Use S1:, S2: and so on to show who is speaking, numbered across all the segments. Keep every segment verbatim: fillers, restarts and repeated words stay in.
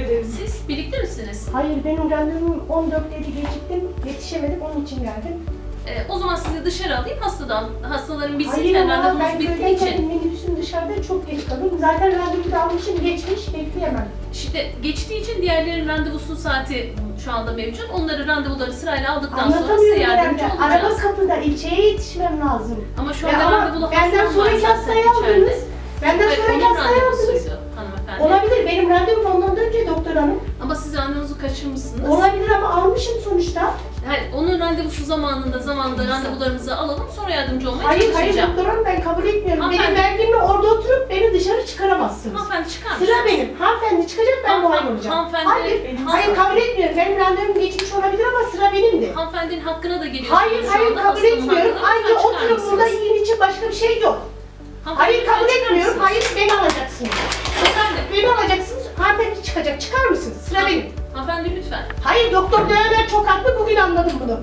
S1: ederim.
S2: Siz birlikte misiniz?
S1: Hayır, benim randevum on dörtteydi, geciktim. Yetişemedim, onun için geldim.
S2: Ee, o zaman sizi dışarı alayım hastadan. Hastaların bitsin,
S1: Hayır
S2: yani
S1: ama
S2: randevunuz
S1: ben
S2: bittiği
S1: köydeyken
S2: için.
S1: minibüsün dışarıda çok geç kalıyorum. Zaten randevu da almışım, geçmiş, bekleyemem.
S2: İşte geçtiği için diğerlerin randevusu saati şu anda mevcut. Onları randevuları sırayla aldıktan sonra size
S1: Anlatamıyorum
S2: yardımcı
S1: herhalde. Araba
S2: olacağız.
S1: kapıda, ilçeye yetişmem lazım.
S2: Ama şu
S1: Ya
S2: anda
S1: ama
S2: randevulu
S1: benden
S2: hastam var
S1: sonraki
S2: zaten
S1: hastayı
S2: içeride.
S1: aldınız. Benden
S2: Hayır,
S1: sonraki
S2: onun
S1: hastayı aldınız.
S2: randevusuydu hanımefendi.
S1: Olabilir, benim randevum ondan önce doktor hanım.
S2: Ama siz randevunuzu kaçırmışsınız.
S1: Olabilir ama almışım sonuçta.
S2: Hayır, onun randevusu zamanında zamanında randevularımızı alalım, sonra yardımcı olmaya
S1: Hayır, hayır
S2: çalışacağım.
S1: doktor hanım, ben kabul etmiyorum.
S2: Hanımefendi.
S1: Benim verdiğimle orada oturup beni dışarı çıkaramazsınız.
S2: Hanımefendi çıkar mısınız?
S1: Sıra benim. Hanımefendi çıkacak, ben
S2: Hanımefendi-
S1: muayene olacağım.
S2: hanımefendi-
S1: Hayır,
S2: benim
S1: hayır
S2: sıram.
S1: kabul etmiyorum. Benim randevum geçmiş olabilir ama sıra benimdi.
S2: Hanımefendinin hakkına da geliyorsunuz
S1: Hayır,
S2: şu
S1: hayır
S2: anda.
S1: kabul
S2: Hastanın
S1: etmiyorum.
S2: hakkına
S1: Ayrıca
S2: lütfen çıkar
S1: oturun burada,
S2: mısınız?
S1: yiyin için başka bir şey yok.
S2: Hanımefendi,
S1: Hayır
S2: lütfen
S1: kabul
S2: çıkar
S1: etmiyorum.
S2: mısınız?
S1: Hayır beni alacaksınız.
S2: Hanımefendi,
S1: Beni alacaksınız. Hanımefendi çıkacak. Çıkar mısınız? Sıra benim.
S2: hanımefendi lütfen.
S1: Hayır doktor Döner çok haklı. Bugün anladım bunu.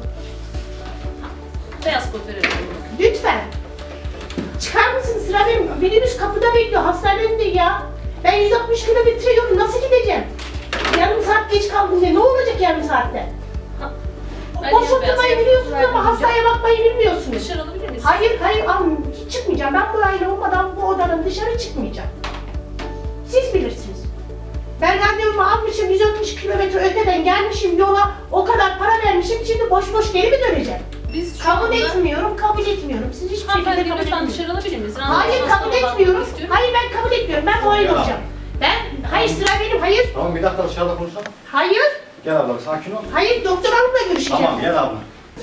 S2: Beyaz kod verelim.
S1: Lütfen. Çıkar mısın? Sıra benim. Minibüs kapıda bekliyor. Hastanenin de ya. Ben yüz altmış kilometre yolu nasıl gideceğim? Yarım saat geç kaldım diye. Ne olacak yarım saatte?
S2: Ha, ben
S1: Boş
S2: yine beyaz
S1: oturmayı
S2: kod
S1: biliyorsunuz ama
S2: vermeyeceğim.
S1: hastaya bakmayı bilmiyorsunuz.
S2: Dışarı alabilir miyiz?
S1: Hayır, hayır, al, hiç çıkmayacağım. Ben bu aile olmadan bu odanın dışarı çıkmayacağım. Siz bilirsiniz. Ben randevumu almışım, yüz altmış kilometre öteden gelmişim yola, o kadar para vermişim, şimdi boş boş geri mi döneceğim?
S2: Biz şu
S1: Kabul
S2: anda...
S1: etmiyorum, kabul etmiyorum. Siz hiçbir şekilde
S2: Hanımefendi
S1: kabul
S2: lütfen
S1: etmiyorum.
S2: dışarı alabilir miyiz? Randevu
S1: Hayır,
S2: hasta
S1: kabul
S2: olan
S1: etmiyorum.
S2: istiyorum.
S1: Hayır, ben kabul etmiyorum. Ben muayene
S3: Ya.
S1: olacağım. Ben, hayır sıra benim, hayır.
S3: Tamam bir dakika dışarıda konuşalım.
S1: Hayır,
S3: Gel abla sakin ol.
S1: hayır doktor hanımla görüşeceğim.
S3: Tamam gel abla.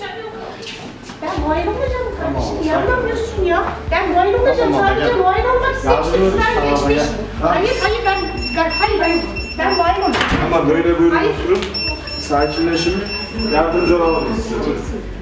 S1: Ben muayene olacağım kardeşim,
S3: Tamam,
S1: yanılamıyorsun ya. Ben muayene olacağım,
S3: Tamam,
S1: sadece
S3: gel.
S1: muayene olmak istemiştim,
S3: Yardımcı
S1: sıra
S3: oluruz, tamam,
S1: geçmiş.
S3: gel. Tamam.
S1: Hayır, hayır ben, ben, hayır, hayır. Ben muayene olacağım.
S4: Ama böyle böyle
S1: Hayır.
S4: oturun, sakinleşin, yardımcı olalım biz size.